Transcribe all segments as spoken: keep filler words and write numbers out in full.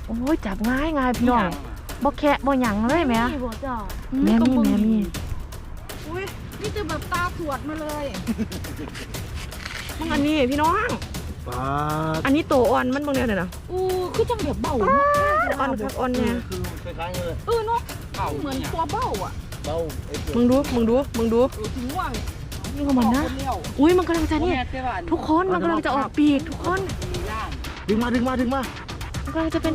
โอ้ยจับง่ายง่ายพี่น้องบ่แคะบ่หยังเลยแม่แม่มีแม่มีอุ้ยนี่จะแบบตาสวดมาเลยมึงอันนี้พี่น้องอันนี้โตอ่อนมันบางเนี่ยนะอู้คือจังแบบเบาอ่อนครับอ่อนเนี่ยคือคล้ายๆเลยเออเนาะเหมือนตัวเบาอ่ะเบามึงดูมึงดูมึงดูถึงว่างนี่ก็มันนะอุ้ยมันกำลังจะนี่ทุกคนมันกำลังจะออกปีกทุกคนดึงมาดึงมาดึงมามันกำลังจะเป็น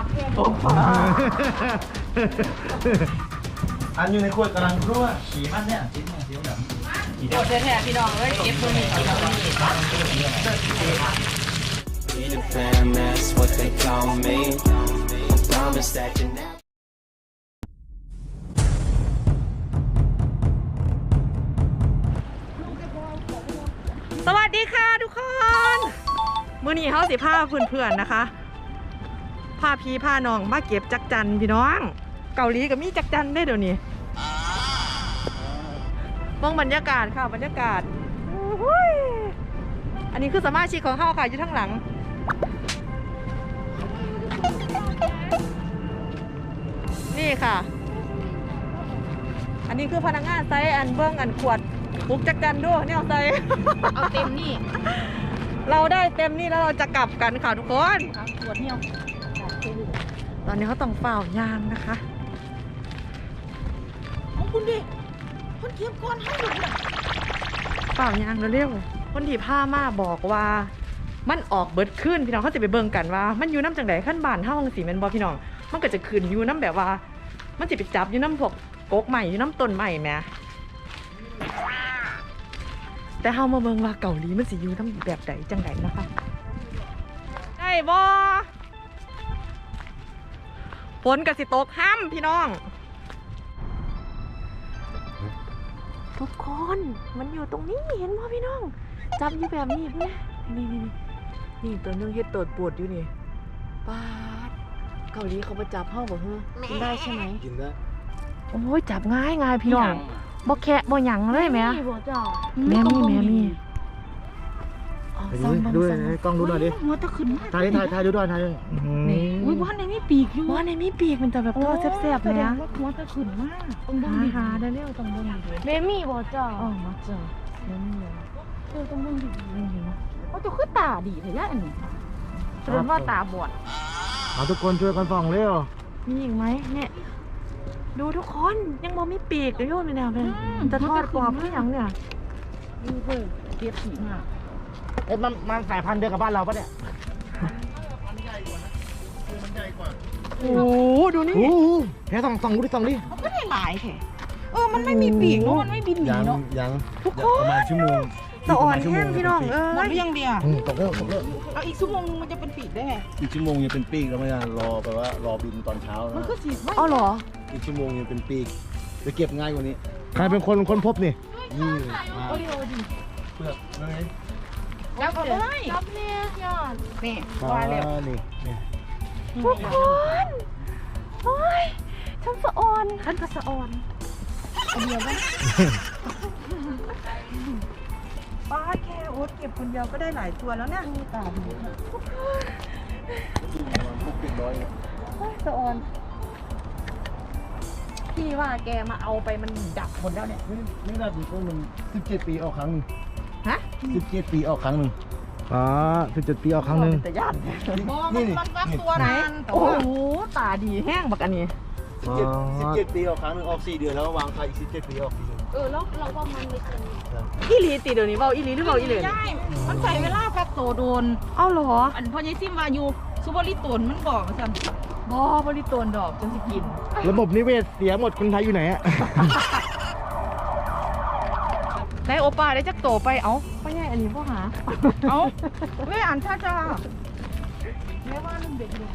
อันอยู่ในขวดกำลังรั่วสีมันเนี่ยสีมันสีดำโอ้แท้ๆพี่น้องเอ้ยเก็บตัวนี้เอาตัวนี้สวัสดีค่ะทุกคนมื้อนี้เฮาสิพาเพื่อนๆนะคะพาพี่พาน้องมาเก็บจักจันพี่น้องเกาหลีก็มีจักจันได้เดี๋ยวนี้มองบรรยากาศค่ะบรรยากาศอันนี้คือสมาชิกของเฮาค่ะอยู่ทั้งหลังนี่ค่ะอันนี้คือพนักงานไซส์อันเบื้องอันขวดปุกจักจันด้วยเนี่ยไซส์เอาเต็มนี่เราได้เต็มนี่แล้วเราจะกลับกันค่ะทุกคนขวดเนี่ยตอนนี้เขาต้องเฝ้ายามนะคะเอาคุณดิคนเก็บก้อนให้หมดเลยเฝ้ายามเร็วๆคนที่ผ้ามาบอกว่ามันออกเบิดขึ้นพี่น้องเขาจะไปเบิ่งกันว่ามันอยู่น้ำจังไดขั้นบานเท่าจังสีแมนบอพี่น้องมันก็จะขึ้นอยู่น้ำแบบว่ามันจะไปจับอยู่น้ำพวกกกใหม่อยู่น้ำต้นใหม่แม่แต่เฮามาเบิ่งว่าเกาหลีมันสิอยู่น้ำแบบใดจังไดนะคะได้บ่ฝนกับสิตกห้ำพี่น้องทุกคนมันอยู่ตรงนี้เห็นป่ะพี่น้องจับอยู่แบบนี้พี่นี่นี่นี่ตัวนึงเฮ็ดตัวปวดอยู่นี่ปาดเกาหลีเขาไปจับห้องบอกเฮ้ยกินได้ใช่ไหมกินได้โอ้ยจับง่ายง่ายพี่น้องบ่แคะบ่หยังเลยแม่แม่มีแม่มีดูดูกล้องดูหน่อยดิหัวตะขึ้นถ่ายถ่ายถ่ายดูด้วยถ่ายด้วยอุ้ยบ้านในมีปีกอยู่บ้านในมีปีกมันจะแบบตัวแซ่บๆเลยนะหัวตะขึ้นมากต้องบ้งหาได้เร็วต้องบ้งดีแม่มีบ่จ้าอ๋อมาจ้าแม่มีเออต้องบ้งดีนี่เห็นไหมเขาจะขึ้นตาดีเลยอันนี้แสดงว่าตาบอดมาทุกคนช่วยกันส่องเร็วมีอีกไหมเนี่ยดูทุกคนยังมองมีปีกเลยโยนไปแนวเลยจะทอดกรอบหรือยังเนี่ยดูเพื่อเก็บสีมากเอ๊ะมันมันสายพันธุ์เดียวกับบ้านเราปะเนี่ยโอ้ดูนี่โอ้แค่ส่องส่องดูดิส่องดิมันก็ได้หลายแค่เออมันไม่มีปีกเนาะมันไม่บินหนีเนาะยังทุกคนประมาณชั่วโมงสะอ่อนแห้งพี่น้องเออหมดหรือยังเดียวตกเลิกตกเลิกเอาอีกชั่วโมงมันจะเป็นปีกได้ไงอีกชั่วโมงยังเป็นปีกแล้วไม่ได้รอแปลว่ารอบินตอนเช้านะมันก็สีอ๋อเหรออีกชั่วโมงยังเป็นปีกจะเก็บง่ายกว่านี้ใครเป็นคนค้นพบนี่นี่โอ้ดีโอ้ดีเปลือกนั่นไงจับเลยจับเนี่ยยอดนี่ว่าแล้วนี่นี่ทุกคนโอ้ยฉันสะอ่อนฉันก็สะอ่อนเอาเดียวไหมป้าแค่โอ๊ตเก็บคนเดียวก็ได้หลายตัวแล้วเนี่ยตาดีสะอ่อนพี่ว่าแกมาเอาไปมันดับหมดแล้วเนี่ยไม่ได้ปีก็มันสิบเจ็ดปีออกครั้งหนึ่งฮะสิบเจ็ดปีออกครั้งหนึ่งอ๋อสิบเจ็ดปีออกครั้งหนึ่งแต่ย่านนี่นี่มันฟักตัวนั้นโอ้โหตาดีแห้งบักอันนี้สิบเจ็ดปีออกครั้งหนึ่งออกสี่เดือนแล้ววางไข่อีกสิบเจ็ดปีออกสี่เดือนเออแล้วเราว่ามันไม่เป็นอีหลีตีเดี๋ยวนี้เบาอีหลีหรือเบาอีเหลือใช่มันใส่เวลาฟักโตโดนเอ้าเหรออันพอยายซิมมาอยู่ซูเปอร์ลิตนมันบอกสั่นบอบริโตนดอกจนสิกินระบบนิเวศเสียหมดคนไทยอยู่ไหนอะได้โอป้าได้จักโตไปเอ้าพ่อใหญ่อันนี้พ่อหาเอ้าเว้ยอ่านช้าจ้าแม่ว่ามันเด็กอยู่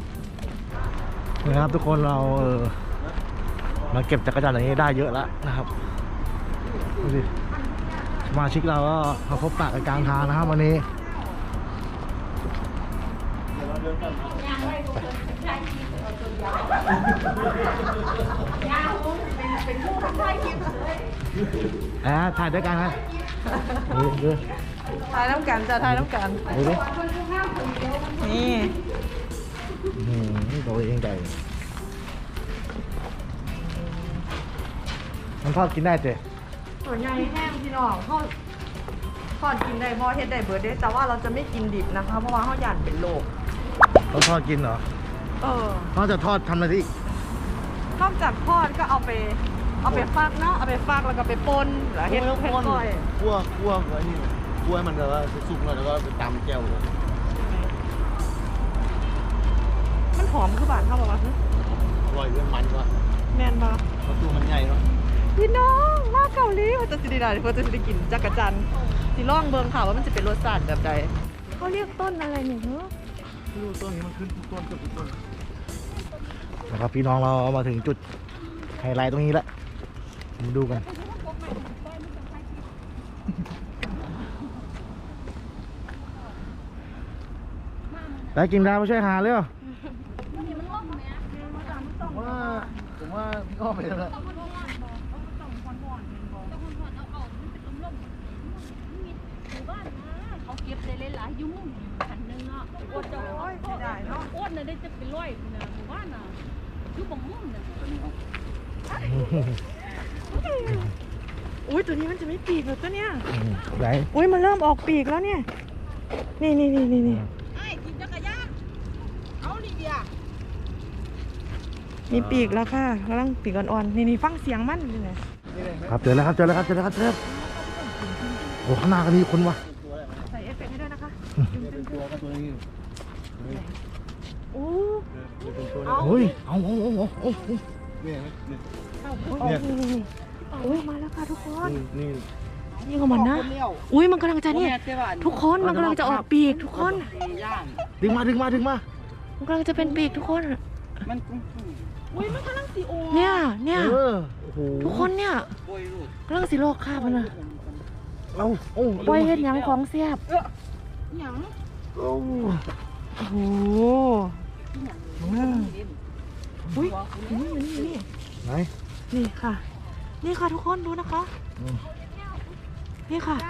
นะครับทุกคนเราเออมาเก็บจักรจันทร์อย่างนี้ได้เยอะแล้วนะครับดูสิสมาชิกเราก็มาพบปะกันกลางทางนะครับวันนี้อ่าถ่ายด้วยกันไหมดูดูถ่ายน้ำกันจะถ่ายน้ำกันดูดินี่ตัวเองใหญ่มันทอดกินได้เจ๊ส่วนใหญ่แห้งพี่น้องเขาทอดกินได้บ่เฮ็ดได้เบิดเด้แต่ว่าเราจะไม่กินดิบนะคะ เพราะว่าเขาหยานเป็นโรคเขาทอดกินเหรอเออนอกจากทอดทำอะไรอีกนอกจากทอดก็เอาไป เอาไปฟักเนาะเอาไปฟักแล้วก็ไปป่นแล้วเฮ็ดเฮ็ดก้อยคั่วคั่วไอ้นี่คั่วให้มันแบบว่าสุกๆหน่อยแล้วก็ไปตำแก้วเลยมันหอมคือบ้านเขาบอกว่าอร่อยด้วยมันก็แม่นบ่ประตูมันใหญ่เนาะพี่น้องมาเกาหลีมันจะสิได้เพิ่นจะสิได้กินจักรจันทร์สิลองเบิ่งค่ะว่ามันจะเป็นรสชาติแบบใดเขาเรียกต้นอะไรเนี่ยเฮ้อไม่รู้ต้นนี้มันขึ้นทุกต้นเกือบทุกต้นนะครับพี่น้องเรามาถึงจุดไฮไลท์ตรงนี้แล้วมาดูกันได้กินดาวมาช่วยหาเลยเหรอว่าผมว่าพี่อ้อมไปแล้วเขาเก็บได้หลายๆยุ่งขันหนึ่งอ่ะอดจะโอ้ยไม่ได้เนาะอดน่ะได้จะเป็นร้อยนะหมู่บ้านน่ะยุ่งบ่มุ่งน่ะอุ้ยตัวนี้มันจะไม่ปีกเหรอตัวเนี้ยไหนอุ้ยมันเริ่มออกปีกแล้วเนี่ย นี่นี่นี่นี่นี่ไอ้กินจักรยานเอาดิเดียมีปีกแล้วค่ะกำลังปีกอ่อนๆนี่นี่ฟังเสียงมันนี่ไงครับเจอแล้วครับเจอแล้วครับเจอแล้วครับเจอแล้วโอ้ข้างหน้าก็มีคนว่ะใส่เอฟเฟกต์ให้ด้วยนะคะเป็นตัวก็ตัวนี้โอ้เฮ้ยเอาเอาเอาเอาเอานี่นี่นี่อุ้ยมาแล้วค่ะทุกคนนี่นี่ของมันนะอุ้ยมันกำลังจะเนี่ยทุกคนมันกำลังจะออกปีกทุกคนดึงมาดึงมาดึงมามันกำลังจะเป็นปีกทุกคนมันอุ้ยมันกำลังสีโอเนี่ยเนี่ยเออโอ้โหทุกคนเนี่ยกำลังสิโลกคาบมันนะเอาโอ้ปล่อยเห็ดหยังของเสียบหยังโอ้โอ้โหอุ้ยนี่นี่นี่ไหนนี่ค่ะ นี่ค่ะทุกคนดูนะคะ นี่ค่ะ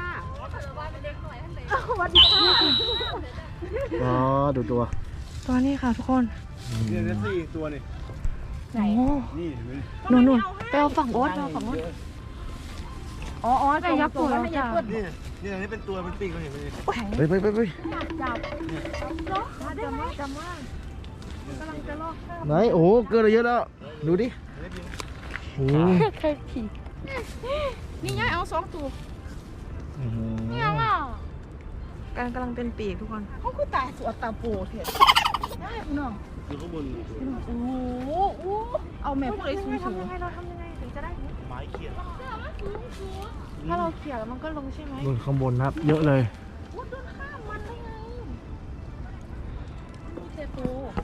อ๋อดูตัวตัวนี้ค่ะทุกคนนี่นี่สี่ตัวนี่โอ้นี่เห็นไหมนู่นนู่นไปเอาฝั่งโอ๊ตไปเอาฝั่งโอ๊ตอ๋ออ๋อจะยับตัวแล้วจ้ะนี่นี่อันนี้เป็นตัวเป็นปีกเขาเห็นไหมไปไปไปไปจับจำว่าจำว่ากำลังจะลอกข้ามไหนโอ้โหเกินอะไรเยอะแล้วดูดิโอ้โหใครขี่นี่ยายเอาสองตัวเนี่ยว่ะการกำลังเป็นปีกทุกคนเขาคือตาสวดตาโปเถอะได้พี่น้องอยู่ข้างบนโอ้โหอู้เอาแม่พวกไอ้สูงสูทำยังไงเราทำยังไงถึงจะได้ไม้เขียนถ้าเราเขี่ยแล้วมันก็ลงใช่ไหมบนข้างบนครับ เยอะเลยอู้โดนข้ามมันได้ไงดูเจโป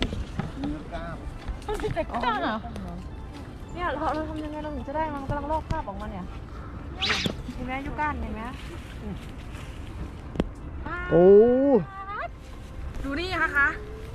มันเป็นแต่ก้าเนี่ยเราเราทำยังไงเราถึงจะได้มันกำลังลอกคราบออกมาเนี่ยเห็นไหมยุก้านเห็นไหมโอ้ดูนี่ค่ะคะ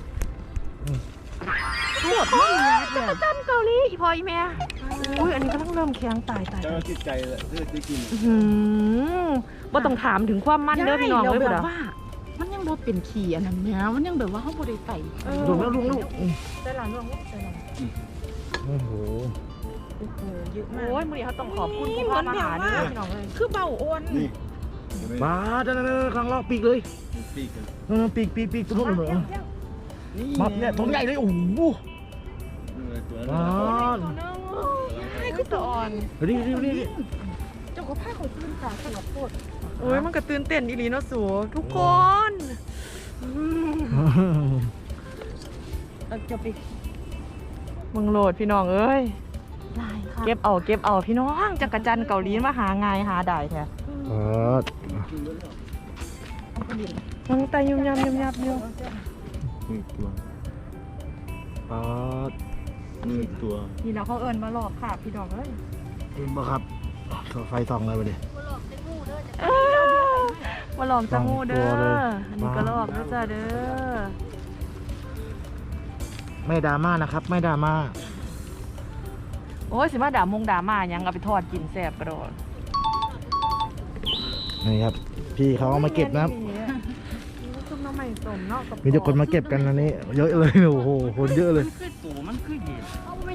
ปวดมากเลยจักรจันเกาหลีอีพออีแม่อุ้ยอันนี้กำลังเริ่มเคียงตายตายเจ้าจิตใจเลยที่ได้กินหืมว่าต้องถามถึงความมั่นเด้อพี่น้องเลยแบเด้บว่า มันยังบ่เป็นขี่อันนั้นเนี่ยมันยังแบบว่าเขาบ่ได้ใส่ลงแล้วลงแล้วได้หลานลงได้หลานโอ้โหโอ้โหเยอะมากโอ้ยมือนี้เขาต้องขอบคุณคุณพ่อมาหาเด้อพี่น้องเลยคือเบาโอนนี่มาจ้าจ้าข้างล่างปีกเลยปีกกันปีกปีกปีกตัวนู้นเหรอมาเนี่ยตัวใหญ่เลยโอ้โหมาให้คือตัวอ่อนดิดิดิเจ้าก็พาเขาตื่นตาสลับโคตรโอ้ยมันก็ตื่นเต้นอีหลีเนาะสูทุกคนจะไปมึงโหลดพี่น้องเอ้ยลายค่ะเก็บเอาเก็บเอาพี่น้องจักรจันทร์เกาหลีมาหาง่ายหาได้แท้เออมันแต่ยุ่มยำยุ่มยับอยู่นี่ตัวปาดนี่ตัวนี่เราเขาเอิญมาหลอกค่ะพี่น้องเอ้ยคุณบ่ครับไฟส่องเลยไปดิมาหลอกจังงูเด้สองตัวอเลยอันนี้ก็หลอกด้วยจ้าเด้อไม่ดราม่านะครับ ไม่ดราม่าโอ้ยสิมาด่ามงด่ามาหยังเอาไปทอดกินแซ่บกระโดดนี่ครับ พี่เขาเอามาเก็บนะครับซุปน้ำไม่สมเนาะกับมีแต่คนมาเก็บกันอันนี้ เยอะเลยโอ้โหคนเยอะเลยคือตัวมันคือเย็น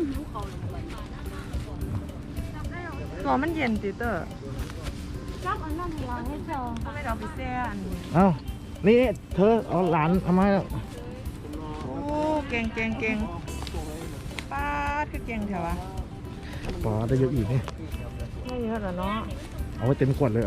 ตัวมันเย็นติเตอร์จับอันนั้นให้เราให้เจอทำไมเราไปแซ่อันนี้เอ้านี่เธอเอาหลานเอามาให้แล้วโอ้เก่งเก่งเก่งป้าดคือเก่งแถวะปอได้เยอะอีกนี่ไม่เยอะหรอเนาะเอาไว้เต็มขวดเลยเอา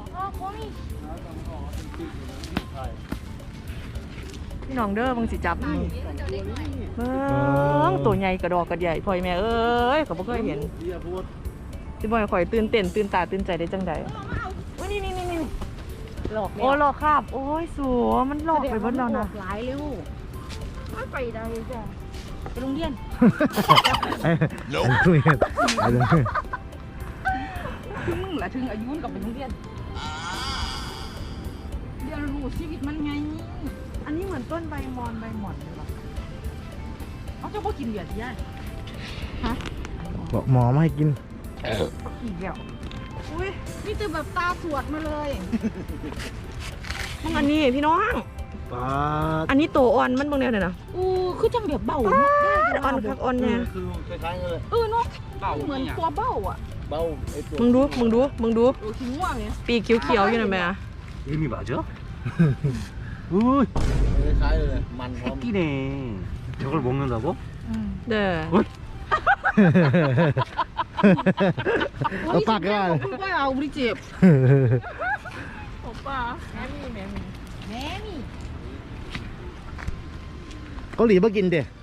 พี่น้องเด้อมึงสิจับมึงเบิ้งตัวใหญ่กระดอกกระใหญ่พ่อยแม่เอ้ยก็บ่เคยเห็นสิบ่อยข่อยตื่นเต้นตื่นตาตื่นใจได้จังใดโอ้ยนี่นี่นี่นี่หลอกโอ้หลอกคาบโอ้ยสัวมันหลอกไปเบิดแล้วนะหลายเร็วไม่ไปได้จ้ะไปโรงเรียนไอ้ทุเรียนไอ้เลยถึงมึงละถึงอายุกับไปโรงเรียนเรียนรู้ชีวิตมันไงอันนี้เหมือนต้นใบมอนใบหม่อนเลยว่ะเขาจะบ่กินเบียร์ที่ย่ายฮะบอกหมอไม่ให้กินอีกแล้วอุ้ยนี่คือแบบตาสวดมาเลยมึงอันนี้พี่น้องปาดอันนี้ตัวอ่อนมันบางแนวเนี่ยนะอู้คือจังแบบเบาอ่าเนาะอ่อนคักอ่อนเนี่ยคือคล้ายๆกันเลยเออเนาะเหมือนตัวเบ้าอ่ะเบาไอ้ตัวมึงดูมึงดูมึงดูเออขี้ง่วงเนี่ยปีกเขียวๆอยู่นะแม่ 이미 맞아? 우이 คล้ายๆเลยมันพร้อม 새끼네. 저걸 먹는다고? เด้อเอาปากก็ได้คุณป้าเอาบริเจ็บโอป้าแม่มีแม่มีแม่นี่เกาหลีมากินเด็ก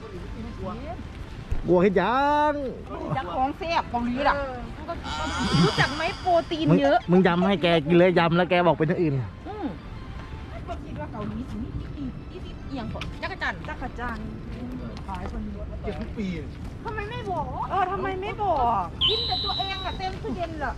กลัวเห็นยังจักของแซ่บเกาหลีล่ะรู้จักไหมโปรตีนมึงเยอะมึงยำให้แกกินเลยยำแล้วแกบอกเป็นอย่างอื่นอืมก็คิดว่าเกาหลีสิอีอีอีเอียงก่อนจักรจันทร์จักรจันทร์ขายคนเยอะเก็บทุกปีทำไมไม่บอกเออทำไมไม่บอกกินแต่ตัวเองอะเต็มตู้เย็นเหรอ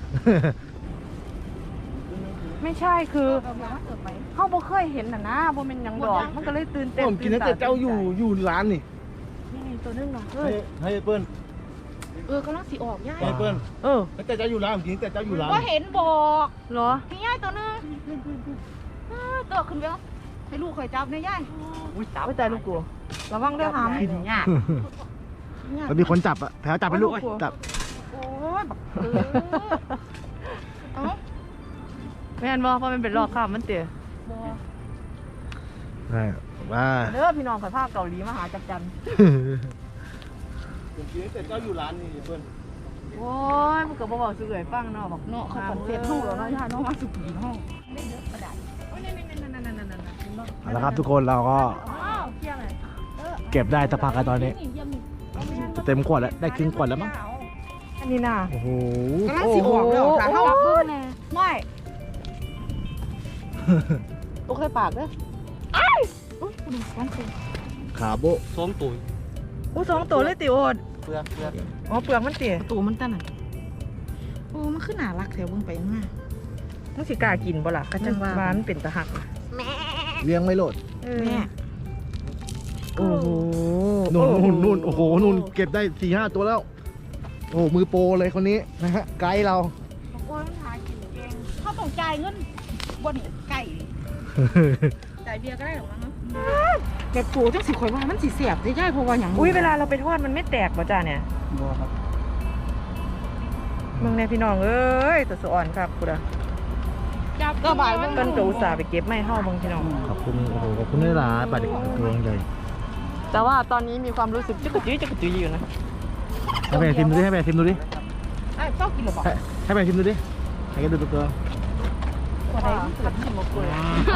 ไม่ใช่คือเอามาเกิดไหมเขาบ่เคยเห็นน่ะนะบ่เป็นหยังดอกมันก็เลยตื่นเต้นผมกินตั้งแต่เจ้าอยู่อยู่ร้านนี่นี่นี่ตัวนึงเนาะเฮ้ให้ยให้เปิ้ลเออกำลังสีออกย่ายให้เปิ้ลเออตั้งแต่เจ้าอยู่ร้านผมกินตั้งแต่เจ้าอยู่ร้านว่าเห็นบอกเหรอพี่ย่ายตัวนึงเออตัวขึ้นไปแล้วให้ลูกคอยจับเนี่ยย่ายอุ้ยตาไปใจลูกกูระวังเด้อหามกินยากแล้วมีคนจับอ่ะแผลจับไปลูกจับโอ้ยบักเออเอ้าแม่นบ่เพราะมันเป็นรอบข้ามมันเตะบอกใช่ว่าเด้อพี่น้องข่อยพาเกาหลีมาหาจักรจันทร์ผมกินตั้งแต่เจ้าอยู่ร้านนี่เปิ้ลโอ้ยมันก็บ่เว้าซื่อให้ฟังเนาะบอกเนาะเขาฝันเสียห้องแล้วเนาะย่าเนาะมาสุกีห้องได้เยอะกระดาษโอ้ยนั่นนั่นนั่นนั่นนั่นนั่นนั่นเอาละครับทุกคนเราก็อ้าวเที่ยงเลยเก็บได้สักพักกันตอนนี้ จะเต็มขวดแล้วได้ครึ่งขวดแล้วมั้งอันนี้น่ะโอ้โหกำลังสิออกแล้วค่ะโอ้เฮาโหเบิ่งแน่ไม่โอเคปากเด้ออุ้ยคุณสองตัวขาโบ 썸또 อู้สองตัวเลยติโอดเปลือกเปลือกอ๋อเปลือกมันติตัวมันตั้งไหนโอ้มันขึ้นหนารักแถวเบิ่งไปมามึงสิกล้ากินบ่ล่ะกะจังว่ามันเป็นตะหักเลี้ยงไม่โหลดเออแม่โอ้โหนู่นนู่นนู่นโอ้โหนู่นเก็บได้สี่ห้าตัวแล้ว โอ้มือโปรเลยคนนี้นะฮะไกด์เราโอ้ยมันหากินเองเขาต้องจ่ายเงินบ่นี่ไก่จ่ายเบียร์ก็ได้หรอมั้งแบบตัวจังสิข่อยว่ามันสิเสียบได้ย่ายเพราะว่าหยังอุ้ยเวลาเราไปทอดมันไม่แตกบ่จ้าเนี่ยมึงเนี่ยพี่น้องเอ้ยตัวสะอ่อนครับกูดะจับก็บ่ายเพิ่นก็อุตส่าห์ไปเก็บไม้เฮาเบิ่งพี่น้องขอบคุณโอ้โหขอบคุณด้วยล่ะปลาเด็กตัวใหญ่แต่ว่าตอนนี้มีความรู้สึกจักกะจุยจักกะจุยอยู่นะให้แม่ทิมดูดิให้แม่ทิมดูดิไอ้เจ้ากินหรือเปล่าให้ให้แม่ทิมดูดิให้แกดูตัวตัวคนใดที่สุดที่มาคุย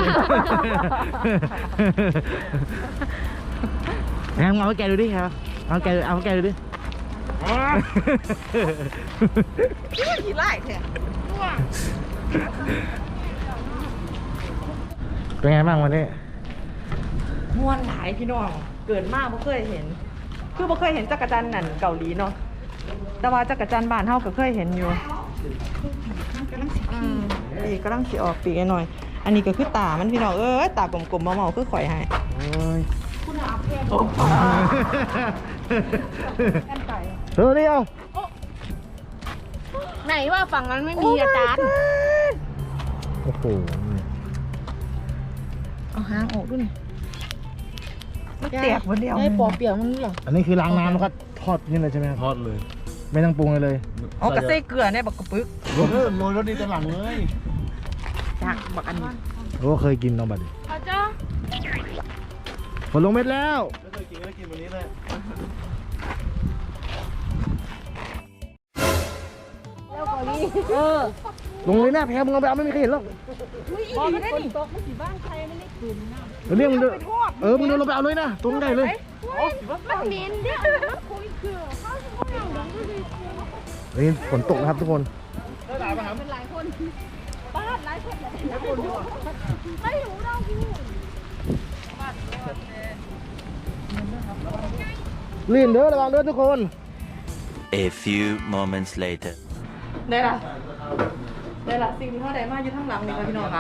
แม่เอาให้แกดูดิครับเอาให้แกเอาให้แกดูดิขี้ไล่แท้เป็นไงบ้างวันนี้ม่วนหลายพี่น้องเกิดมาบ่เคยเห็น คือบ่เคยเห็นจักรจันทร์นั่นเกาหลีเนาะแต่ว่าจักรจันทร์บ้านเฮาก็เคยเห็นอยู่กำลังสิอืมปีกกำลังสิออกปีกหน่อย อันนี้ก็คือตามันพี่น้องเอ้ยตากลมๆเมาๆคือข่อยให้โอ้ยคุณอาเพลโอ้ป้ากันไก่เธอนี่เอาไหนว่าฝั่งนั้นไม่มีอาจารย์โอ้โหเอาหางออกด้วยนี่มันแตกหมดแล้วไอ้ปอเปียกมันเหรออันนี้คือล้างน้ำแล้วก็ทอดนี่เลยใช่ไหมครับทอดเลยไม่ต้องปรุงเลยเลยเอากระเซ่เกลือเนี่ยบักกระปึกเออโรยรสดีตะหลังเลยจากบักอันนี้โอ้เคยกินน้องบัดดิเขาจ้าฝนลงเม็ดแล้วไม่เคยกินก็กินวันนี้เลยเออลงเลยหน้าแพ้มึงเอาไปเอาไม่มีใครเห็นหรอกพอไม่ได้นี่ตกมันสีบ้านใครไม่ได้คืนนะเดี๋ยวเรียกมึงเดินเออมึงเดินลงไปเอาเลยนะตรงใหญ่เลยมันเหม็นเด้อคุยคือเขาเขาอย่างนั้นก็คือเฮ้ยฝนตกนะครับทุกคนเป็นหลายคนบ้านหลายคนหลายคนไม่รู้เราอยู่ลื่นเด้อระวังเด้อทุกคน A few moments later. ได้ละได้ละสิ่งที่เขาได้มาอยู่ทั้งหลังนี่ค่ะพี่น้องคะ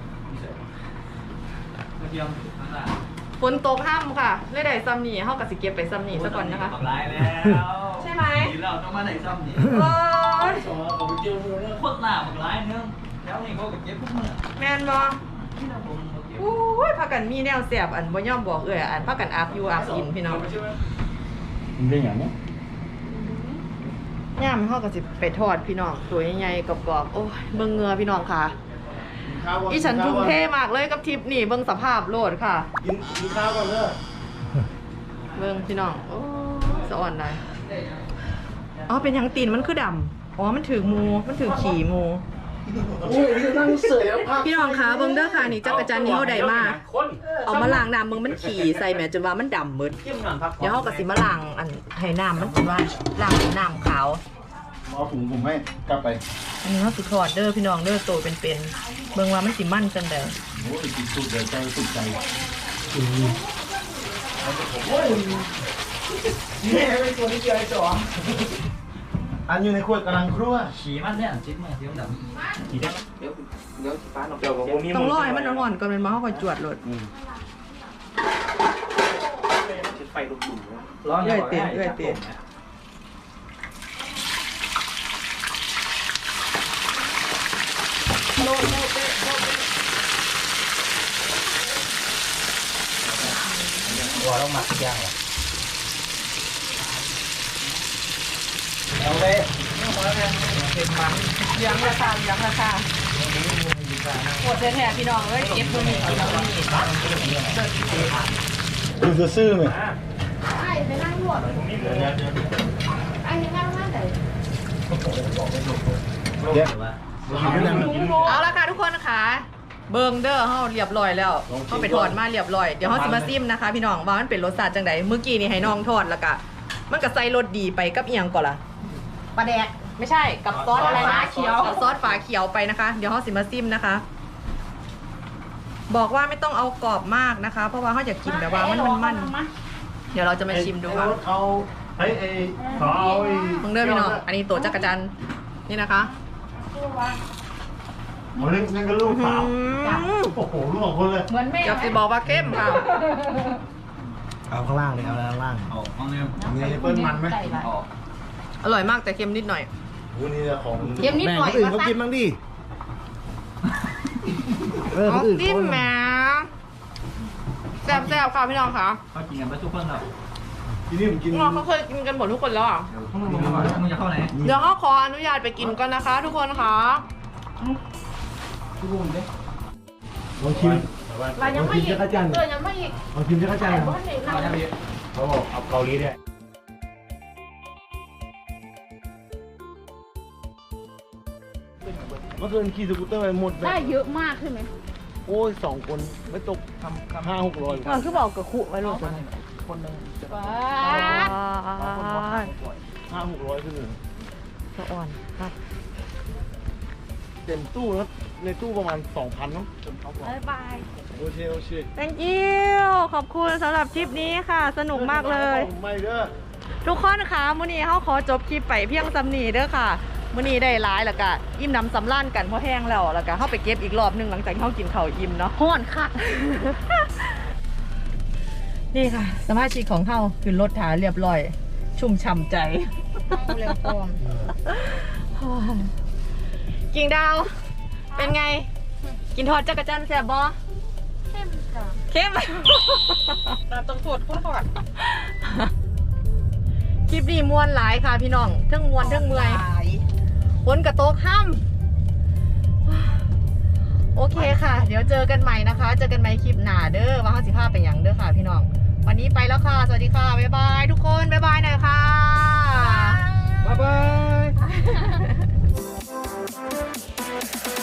ฝนตกห้ามค่ะเลยได้ซ้ำนี่เขากับสิเก็บไปซ้ำนี่ซะก่อนนะคะร้ายแล้วใช่ไหมทีเราต้องมาไหนซ้ำนี่เออผมเจอมือเนี่ยโคตรหนาบักร้ายเนื้อแล้วนี่เขาก็เก็บพวกมือแมนบออู้ยพากันมีแนวเสียบอันบ่ย่อมบอกเอ่ยอันพากันอาบอยู่อาบกินพี่น้องมันเป็นอย่างนี้ย่ามเขาก็สิไปทอดพี่น้องตัวใหญ่ๆกรอบๆโอ้ยเบิ่งเหงือพี่น้องค่ะอีฉันทุ่มเทมากเลยกับทริปนี่เบิ่งสภาพโลดค่ะกินกินข้าวก่อนเด้อเบิ่งพี่น้องโอ้ยสะอ่อนเลยอ๋อเป็นหยังตีนมันคือดำอ๋อมันถือมูมันถือขี่มูโอ้ยนั่งเสยแล้วพักพี่น้องคะเบิ่งเด้อค่ะนี่จักรจันทร์นี่เฮาได้มาเอามาล้างน้ำเบิ่งมันขี่ใส่แหม่จนว่ามันดำหมดเดี๋ยวเฮาก็สิมาล้างอันให้น้ำมันจนว่าล้างเป็นน้ำขาวเอาถุงผมให้กลับไปอันนี้เขาสิทอดเด้อพี่น้องเด้อโตเป็นๆเบิ่งว่ามันสิมันจังได๋โอ้ยกินสุดเดี๋ยวใจสุดใจนี่เป็นตัวนี้เจอไอ้จ๋ออันอยู่ในขวดกำลังครั่วขี่มันเนี่ยจิ๊บมาเดี๋ยวดำขี่ได้เดี๋ยวเดี๋ยวฟ้าเราเดี๋ยวผมมีต้องรอให้มันอ่อนๆก่อนเป็นบ่เฮาค่อยจวดโลดไฟลุกๆร้อนเลยเต็มเลยเต็มหัวเราหมักย่างเหรอเอาเลยเป็นมันยังราคายังราคาปวดแท้ๆพี่น้องเอ้ยเก็บตัวนี้เอาตัวนี้คือซื่อๆไหมไอ้ไปนั่งรวดไอ้ยังนั่งนั่งแต่เดี๋ยวเอาละค่ะทุกคนนะคะเบิ่งเด้อเฮาเรียบร้อยแล้วเฮาไปทอดมาเรียบร้อยเดี๋ยวเฮาสิมาซิมนะคะ พี่น้องว่ามันเป็นรสชาติจังไดเมื่อกี้นี่ให้น้องทอดแล้วก็มันก็ใส่รสดีไปกับอีหยังก่อนล่ะปลาแดกไม่ใช่กับซอสอะไรนะฝาเขียวกับซอสฝาเขียวไปนะคะ เดี๋ยวเขาสิมาซิมนะคะ บอกว่าไม่ต้องเอากรอบมากนะคะ เพราะว่าเขาอยากกินแบบว่ามันมันมันเดี๋ยวเราจะมาชิมดูค่ะเอาไอ้ไอ้ขอเอาไอ้มึงเด้อพี่น้องอันนี้ตัวจักรจันทร์นี่นะคะเอาเล่นนั่นก็ลูกสาวอืมโอ้โหลูกของคนเลยเหมือนแม่อยากจะบอกว่าเข้มค่ะเอาข้างล่างเลยเอาข้างล่างเอาเอาเนี่ยมีเปิ้ลมันไหมเอาอร่อยมากแต่เค็มนิดหน่อยวันนี้ของเค็มนิดแม่งหน่อยคนอื่นก็เขาซักิกนบ้างดิเออคเอานอื่นจิ้มเขาแหมแซ่บๆค่ะพี่น้องค่ะเขากินกันไปทุกคนเหรอที่นี่ผมกินพี่น้องเขาเคยกินกันหมดทุกคนแล้วอ่ะมึงมึงจะเข้าไหนเดี๋ยวเขาขออนุญาตไปกินก่อนนะคะ ทุกคนค่ะลองชิมเรายังไม่อีกจักรจันทร์เออยังไม่อีกลองชิมจักรจันทร์เพราะเด็กเราเขาบอกเอาเกาหลีเนี่ยเมื่อคืนขี่สกูตเตอร์ไปหมดแบได้บเยอะมากใช่ไหมโอ้ยสองคนไม่ตกทำห้าหกร้อยมันคือบอกกับขู่ไว้ลูกคนหนึ่งว้าห้าหกร้อยคือหนึ่งสะอ่อนครับเต็มตู้แล้วในตู้ประมาณสองพันเนาะบ๊ายบายโอเคโอเค thank you ขอบคุณสำหรับทริปนี้ค่ะ สนุกมากเลยไม่เด้อทุกคนคะมื้อนี้เขาขอจบคลิปไปเพียงสำนีเด้อค่ะมื้อนี้ได้ร้ายแล้วก็อิ่มน้ำสำราญกันเพราะแห้งแล้วแล้วก็เข้าไปเก็บอีกรอบหนึงหลังจากที่เขากินข้าวอิ่มเนาะห้อนค่ะนี่ค่ะ สมาชิกของเขาขึ้นรถถาเรียบร้อย ชุ่มฉ่ำใจเร็วก่อนกิ่งดาว เป็นไง กินทอดจักรจันทร์แซ่บบ่เข้มใจจ้ะเข้มแต่ต้องตรวจคุณก่อนคลิปนี้มวนหลายค่ะพี่น้องเทั้งมวนเทั้งเมื่อยฝนกระโตกห้ำโอเคค่ะ เดี๋ยวเจอกันใหม่นะคะ เจอกันใหม่คลิปหน้าเด้อว่าห้าสิบห้าเป็นอย่างเด้อค่ะพี่น้องวันนี้ไปแล้วค่ะสวัสดีค่ะบ๊ายบายทุกคนบ๊ายบายหน่อยค่ะบ๊ายบาย